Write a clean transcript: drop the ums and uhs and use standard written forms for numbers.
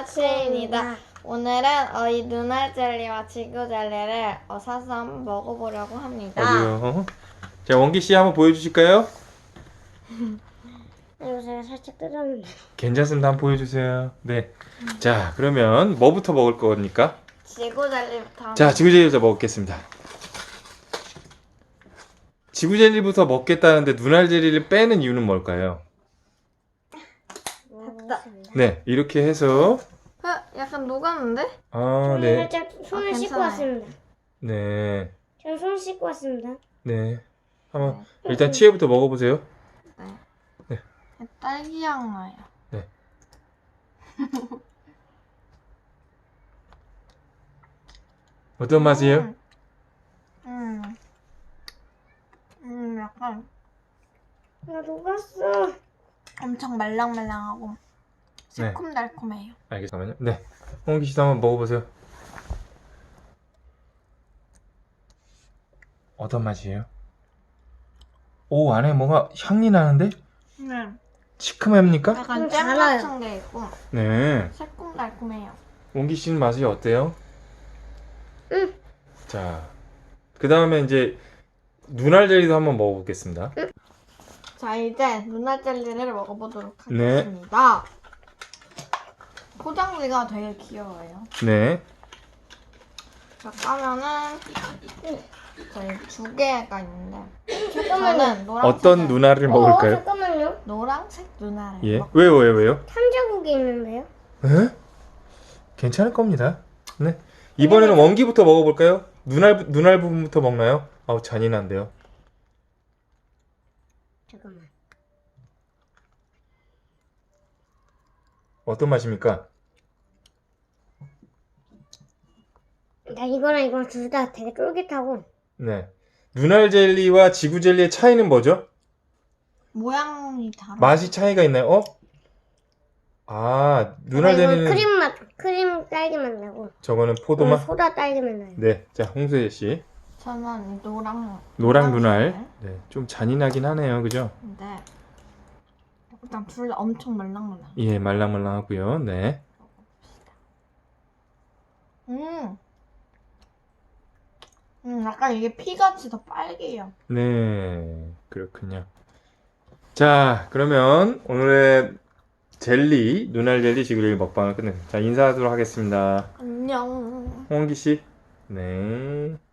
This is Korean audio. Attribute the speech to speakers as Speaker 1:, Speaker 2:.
Speaker 1: 아침입니다. 오늘은 이 눈알 젤리와 지구 젤리를 사서 한번 먹어보려고 합니다.
Speaker 2: 어디요? 자, 원기 씨 한번 보여주실까요?
Speaker 3: 이거 제가 살짝 뜯었는데.
Speaker 2: 괜찮습니다. 한번 보여주세요. 네. 자, 그러면 뭐부터 먹을 거니까?
Speaker 1: 지구 젤리부터.
Speaker 2: 자, 지구 젤리부터 먹겠습니다. 지구 젤리부터 먹겠다는데 눈알 젤리를 빼는 이유는 뭘까요?
Speaker 3: 먹어보겠습니다.
Speaker 2: 네, 이렇게 해서
Speaker 1: 약간 녹았는데?
Speaker 2: 아,
Speaker 3: 저는
Speaker 2: 네,
Speaker 3: 살짝 손을
Speaker 1: 아,
Speaker 3: 씻고
Speaker 1: 괜찮아요.
Speaker 3: 왔습니다.
Speaker 2: 네,
Speaker 3: 저는 손 씻고 왔습니다.
Speaker 2: 네. 한번 일단 치에부터 먹어보세요.
Speaker 1: 네.
Speaker 2: 네.
Speaker 1: 딸기향 나요.
Speaker 2: 네. 어떤 맛이에요?
Speaker 1: 약간
Speaker 3: 나 녹았어.
Speaker 1: 엄청 말랑말랑하고
Speaker 2: 네.
Speaker 1: 새콤달콤해요.
Speaker 2: 알겠습니다. 네, 원기 씨도 한번 먹어보세요. 어떤 맛이에요? 오, 안에 뭔가 향이 나는데?
Speaker 1: 네.
Speaker 2: 시큼합니까?
Speaker 1: 약간
Speaker 3: 좀
Speaker 1: 잼
Speaker 3: 달아요.
Speaker 1: 같은 게 있고
Speaker 2: 네.
Speaker 1: 새콤달콤해요.
Speaker 2: 원기 씨는 맛이 어때요?
Speaker 3: 응.
Speaker 2: 자, 그 다음에 이제 눈알 젤리도 한번 먹어보겠습니다.
Speaker 1: 자, 이제 눈알 젤리를 먹어보도록
Speaker 2: 네.
Speaker 1: 하겠습니다. 포장지가 되게 귀여워요.
Speaker 2: 네.
Speaker 1: 자, 까면은 저희 두 개가 있는데
Speaker 3: 잠깐만요.
Speaker 1: 저는 노란색
Speaker 2: 어떤 눈알을 먹을까요?
Speaker 3: 잠깐만요.
Speaker 1: 노란색 눈알을
Speaker 2: 예.
Speaker 1: 먹-
Speaker 2: 왜요?
Speaker 3: 탐자국이 있는데요.
Speaker 2: 에? 괜찮을 겁니다. 네. 이번에는 원기부터 먹어볼까요? 눈알 부분부터 먹나요? 아우, 잔인한데요.
Speaker 3: 잠깐만.
Speaker 2: 어떤 맛입니까?
Speaker 3: 나 이거랑 둘 다 되게 쫄깃하고.
Speaker 2: 네. 눈알 젤리와 지구 젤리의 차이는 뭐죠?
Speaker 1: 모양이 다르.
Speaker 2: 맛이 차이가 있나요? 어? 아, 눈알
Speaker 3: 이건
Speaker 2: 젤리는
Speaker 3: 크림 맛, 크림 딸기 맛 나고.
Speaker 2: 저거는
Speaker 3: 이건
Speaker 2: 포도 맛.
Speaker 3: 소다 딸기 맛 나요.
Speaker 2: 네. 자, 홍수혜 씨.
Speaker 1: 저는 노랑
Speaker 2: 노랑 눈알. 네. 좀 잔인하긴 하네요. 그죠?
Speaker 1: 근데 일단 둘 다 엄청 말랑말랑.
Speaker 2: 예, 말랑말랑하고요. 네.
Speaker 1: 약간 이게 피같이 더 빨개요.
Speaker 2: 네. 그렇군요. 자, 그러면 오늘의 젤리, 눈알 젤리 지구 젤리 먹방을 끝냈습니다. 자, 인사하도록 하겠습니다.
Speaker 1: 안녕.
Speaker 2: 홍원기 씨. 네.